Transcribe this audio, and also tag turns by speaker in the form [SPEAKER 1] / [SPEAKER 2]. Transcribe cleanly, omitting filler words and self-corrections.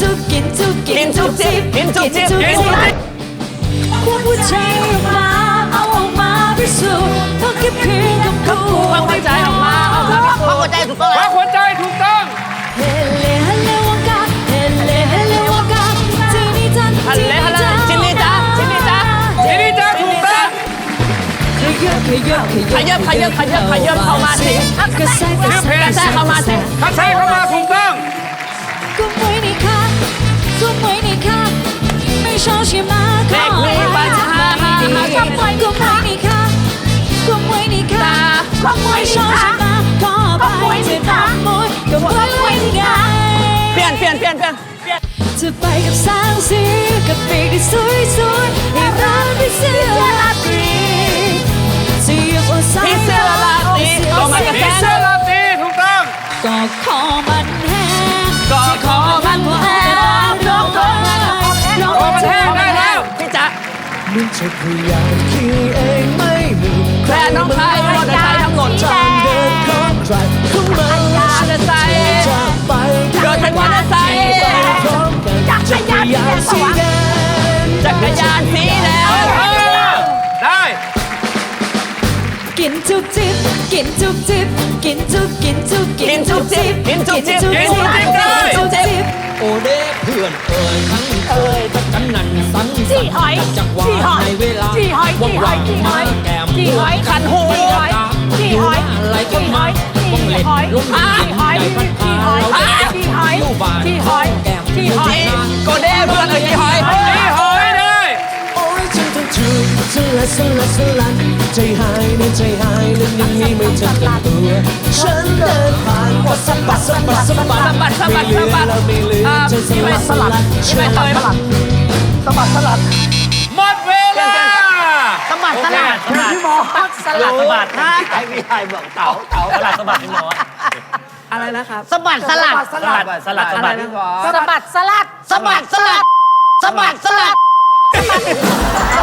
[SPEAKER 1] จุกกินจุกกินจุกจิบกินจุกจิบกินจุกจิบควงหัวใจออกมาเอาออกมาพิสูจน์ต้องเก็บคืนกับกูควงหัวใจออกมาเอาออกมาพิสูจน์
[SPEAKER 2] หัวใจถูกต้อง
[SPEAKER 3] หัวใจถูกต้อง
[SPEAKER 1] เฮเลเฮเลวากาเฮเลเฮเลวากาจีนี่จันจีนี่จัน
[SPEAKER 2] จินนี่จ้าจินนี่จ้า
[SPEAKER 3] ทีนี้จะถูกต้อง
[SPEAKER 1] ขยับขยับขยับ
[SPEAKER 2] ขยับเข้ามาสิ
[SPEAKER 1] กระแทกกระแทก
[SPEAKER 2] กระแทกเข้ามาสิ
[SPEAKER 3] ถ้าใช่เข้ามาถูกต้อง
[SPEAKER 1] ก็ไม่นี่ค่ะก็ไม่นี่ค่ะไม่ชอบใช่ไหมขอไม่ดีก็ไม่นี่ค่ะก็ไม่นี่ค่ะก็ไม่ชอบใช่ไหมขอไปจะทำมวยก็ไม่นี่ค่ะ
[SPEAKER 2] เปลี่ยน
[SPEAKER 1] จะไปกับสาวสีกับปีกที่สวยๆให้เราไปเสื้อลาตรีจะอยู่บนสาย
[SPEAKER 2] พี่เสื้อลาตรีก็มากับ
[SPEAKER 3] ผี
[SPEAKER 2] แฟน
[SPEAKER 3] เสื้อลาตรีถูกต้อง
[SPEAKER 1] ก็ขอมันแห้ง
[SPEAKER 2] ก็ขอมันแห้ง
[SPEAKER 1] ร้องร้อง
[SPEAKER 3] โอ้มันแห้งได้แล้ว
[SPEAKER 2] พี่จ๊ะ
[SPEAKER 4] มันจะพยายามคิดเองไม่มี
[SPEAKER 2] แฟนน้องชายมอเตอร์ไซค์ทั้งหมด
[SPEAKER 4] ทางเดินของใครของมัน
[SPEAKER 2] มอเตอร์ไซค์
[SPEAKER 4] จะไป
[SPEAKER 2] เดินเป็นมอเตอร์ไซค์
[SPEAKER 4] พร้อมกันจักรยานสีแดง
[SPEAKER 2] จักรยานสีแดง
[SPEAKER 3] ได้
[SPEAKER 1] กินจุกจิบกินจุกจิบกินจุกกินจุกกินจุกจิบกินจุกจิบกินจุกจิบ
[SPEAKER 4] โอเด้เพื่อนเอ่ยทั้งเอ่ยทั้งกันนั่นสังสรรค์จังหวะในเวลาว่างๆมาแก้ม
[SPEAKER 2] ขันหู
[SPEAKER 4] อยู่อะไรกันมาว่างเล่นลุกกินใจพันพาเราจะอยู่บ้านแก้ม
[SPEAKER 2] โกเด้เพื่อนเอ้ยพี่หอย
[SPEAKER 3] นี่หอยได้
[SPEAKER 4] โอ้ยฉันต้องจูบสลัดใจหายในใจหายเรื่องนี้ไม่ทันกันตัวฉันเดินผ่านก็สะบัดไม่ลืมจะสลัด
[SPEAKER 2] ที่ไม่เคย
[SPEAKER 3] หมดเวลา
[SPEAKER 2] สบัดพี่หมอสลัดนะไอ้พี่ชายบอกเต่าสลัดพี่หมอ
[SPEAKER 1] อะไรนะครับ
[SPEAKER 2] สบัดสลัด
[SPEAKER 1] อะไรนะ
[SPEAKER 2] สบัดสลัด